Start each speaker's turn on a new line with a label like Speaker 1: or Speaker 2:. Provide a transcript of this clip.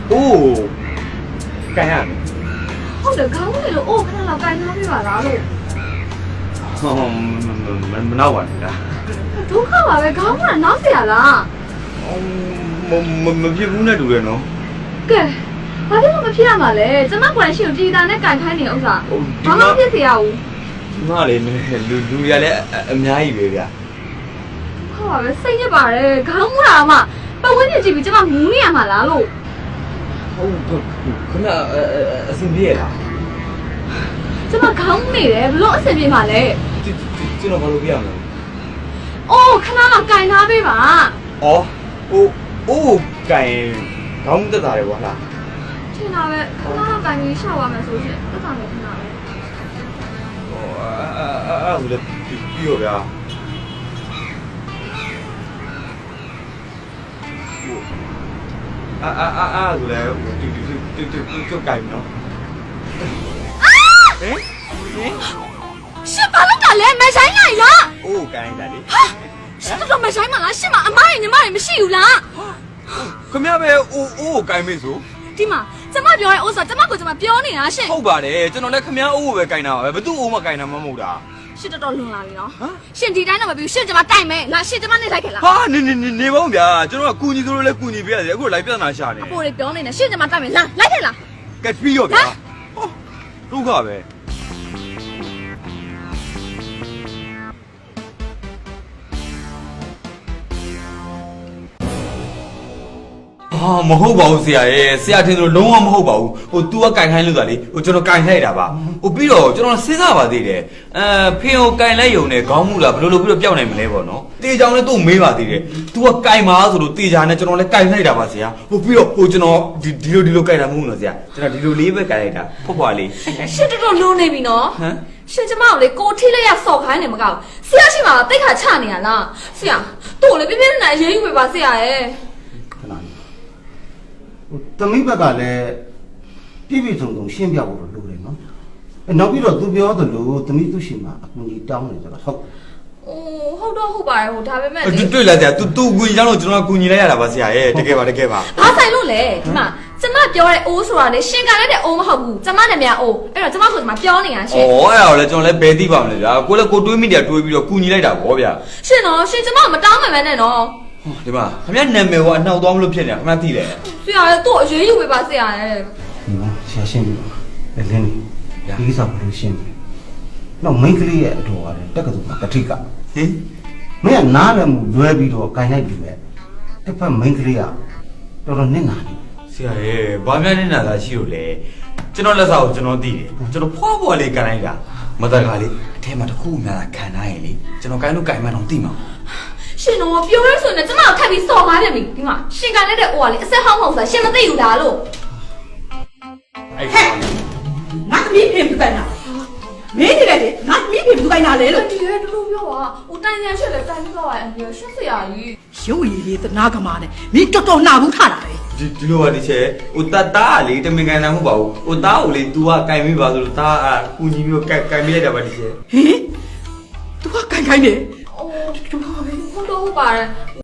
Speaker 1: 哦，干啥呢？
Speaker 2: ဟုတ်တယ်ခေါင်းလေးလို့အိုးခဏလောက်ကိုင်ထားပြပါလားလို့
Speaker 1: မနောက်ပါနဲ့လား
Speaker 2: ဒုက္ခပါပဲခေါင်းကနောက်เสียလား
Speaker 1: မဖြစ်ဘူးနဲ့တူတယ်နော်
Speaker 2: ကဲဘာဖြစ်လို့မဖြစ်ရမှာလဲကျမကွန်ရှင်ကိုပြည်သားနဲ့ကင်ခိုင်းနေဥစ္စာဘာမှဖြစ်เสียဘူး
Speaker 1: ဒီမလေးလူရလည်းအများကြီးပဲဗျာ
Speaker 2: ဟုတ်ပါပဲစိတ်ညစ်ပါတယ်ခေါင်းကမှပတ်ဝန်းကျင်ကြည့်ပြီးကျမမူးနေရမှာလားလို့
Speaker 1: ဟုတ်ခဏအစင်ပြေလား
Speaker 2: ကျမခေါင်းနေတယ်ဘလို့အဆင်ပြေမှာလဲ
Speaker 1: ကျွန်တော်ဘာလို့ပြရမလဲ
Speaker 2: အိုးခဏလောက်ကင်ထားပေးပါ
Speaker 1: ဩအိုးကန်ခေါင်းတက်တာလေကွာလား
Speaker 2: ထင်တာပဲခဏလောက်ကင်ပြီးရှောက်ရမယ်ဆိုရှင်သက်သာနေခဏပဲ
Speaker 1: အဲ့ဒါလည်းပြီးရောဗျာအဲ့ဒါလည်းတူကန်နော်ဟင်
Speaker 2: ရှင်ဘာလို့ကလဲမဆိုင်လိုက်လား
Speaker 1: အိုးကန်တာလေ
Speaker 2: ရှင်တော့မဆိုင်မလားရှင်မအမရညီမရမရှိဘူးလား
Speaker 1: ခမရပဲအိုးကန်မေးဆို
Speaker 2: ဒီမှာကျမပြောရဲဥစ္စာကျမကိုကျမပြောနေတာရှင်
Speaker 1: ဟုတ်ပါတယ်ကျွန်တော်လည်းခမရအိုးပဲကန်တာပါပဲဘသူ့အိုးမကန်တာမဟုတ်တာ
Speaker 2: ရှင်တော်တော်လွန်လာပြီနော်ရှင်ဒီတိုင်းတော့မပြီးရှင်ကျမတိုက်မယ်လာရှင်ကျမနေလိုက်ခဲ့လား
Speaker 1: ဟာနေပါဦးဗျာကျွန်တော်ကကူညီသူတို့လည်းကူညီပေးရတယ်အခုလိုက်ပြဿနာရှာနေ
Speaker 2: အဖိုးလေးပြောနေတယ်ရှင်ကျမတိုက်မယ်လာလိုက်ခဲ့လား
Speaker 1: ကဲပြီးရောဗျာဒုက္ခပဲမဟုတ်ပါဘူးဆရာရဲ့ဆရာထင်လို့လုံးဝမဟုတ်ပါဘူးဟို तू ကကင်ခိုင်းလို့တာလေဟိုကျွန်တော်ကင်လိုက်တာပါဟိုပြီးတော့ကျွန်တော်စဉ်းစားပါသေးတယ်ဖေကိုကင်လိုက်ယုံနဲ့ခေါင်းမှုလားဘယ်လိုပြီးတော့ပျောက်နိုင်မလဲပေါ့နော်တေချောင်လည်းသူ့မေးပါသေးတယ် तू ကကင်ပါဆိုလို့တေချာနဲ့ကျွန်တော်လည်းကင်လိုက်တာပါဆရာဟိုပြီးတော့ဟိုကျွန်တော်ဒီလိုကင်တာမဟုတ်ဘူးနော်ဆရာကျွန်တော်ဒီလိုလေးပဲကင်လိုက်တာဖွားလေး
Speaker 2: ရှင်တော်တော်လွန်နေပြီနော်
Speaker 1: ဟမ်
Speaker 2: ရှင်ကျမကိုလေကိုထိလိုက်ရဆော့ခိုင်းနေမကောက်ဆရာရှိမှာတိတ်ခါချနေရလားဆရာတို့လေပြပြနဲ့အရေးယူပေးပါဆရာရဲ့
Speaker 3: သမီးဘက်ကလည်းပြည့်ပြည့်စုံစုံရှင်းပြဖို့လိုတယ်နော်နောက်ပြီးတော့သူပြောသလိုသမီးသူရှိမှာအကူကြီးတောင်းနေကြတော့ဟုတ်
Speaker 2: ဟုတ်တော့ဟုတ်ပါတယ်ဟိုဒါပေမဲ့
Speaker 1: တွေ့လားဆရာ तू ကူညီတော့ကျွန်တော်ကူညီလိုက်ရတာပါဆရာရဲ့တကယ်ပါ
Speaker 2: ဘာဆိုင်လို့လဲဒီမှာကျမပြောတဲ့အိုးဆိုတာလေရှင်ကလည်းတဲ့အိုးမဟုတ်ဘူးကျမနဲ့မြန်အိုးအဲ့တော့ကျမဆိုဒီမှာပြောနေတာရှင်
Speaker 1: ဩအဲ့ဒါကိုလည်းကျွန်တော်လည်းဘယ်သိပါမလဲဗျာကိုလည်းကိုတွေးမိတယ်တွေးပြီးတော့ကူညီလိုက်တာဗောဗျာ
Speaker 2: ရှင်နော်ရှင်ကျမမတောင်းမှန်နဲ့နော်
Speaker 1: ဒီမှာခင်ဗျနာမည်ကအနှောက်သွားမလို့ဖြစ်နေတာခင်ဗျသိတယ်
Speaker 2: ဆရာလည်းတို့အရေးယူပေးပါဆရာရဲ့
Speaker 3: ဒီမှာဆရာရှင်းပြီလင်းဒီကိစ္စဘယ်လိုရှင်းပြီနောက်မိန်းကလေးရဲ့အတော်ကလည်းတက်ကတူကတိက
Speaker 1: ဟင်
Speaker 3: မင်းကနားလည်းမူလွဲပြီးတော့ကန်ရိုက်ပြီပဲတစ်ဖက်မိန်းကလေးကတော်တော်နစ်နာနေ
Speaker 1: ဆရာရဲ့ဘာမှနေတာသာရှိလို့လေကျွန်တော်လက်စာကိုကျွန်တော်သိတယ်ကျွန်တော်ဖွားလေးကန်လိုက်တာမတကားလေးအထဲမှာတစ်ခုများတာခံနိုင်ရင်လေကျွန်တော်ကိုင်းလို့ကိုင်းမှတော့သိမှာ
Speaker 2: ရှင်တော့ပြောရဲဆိုရင်ကျမကိုထပ်ပြီးစော်ကားပြန်ပြီဒီမှာရှင်ကလည်းတဲ့အိုးကလေအဆက်ဟောင်းဟောင်းဆိုတာရှင်မသိဘူးလားလို့
Speaker 1: အဲ့
Speaker 4: ငါသမီးဖေဘူးကိုင်းတာမင်းနေလေငါသမီးဖေဘူးကိုင်းတာလေလို့
Speaker 2: ဒီရဲတူတူပြောပါဟိုတိုင်ရရှက်လေတိုင်ပြောပါအန်ဒီရှက်ဆရာကြီး
Speaker 4: ရုပ်ရည်လေးသနာကမာနဲ့မင်းတော်တော်နှာဘူးထတာလေ
Speaker 1: ဒီလိုပါဒီချက်ဟိုတားလေတမင်ကန်တာမဟုတ်ပါဘူးဟိုတားကိုလေ तू ကကိုင်းမိပါဆိုလို့တားအကူညီပြီးတော့ကိုင်းမိလိုက်တာပါဒီချက်
Speaker 4: ဟင် तू ကကိုင်းနေ
Speaker 2: အိုးဟုတ်တော့ဟုတ်ပါတယ်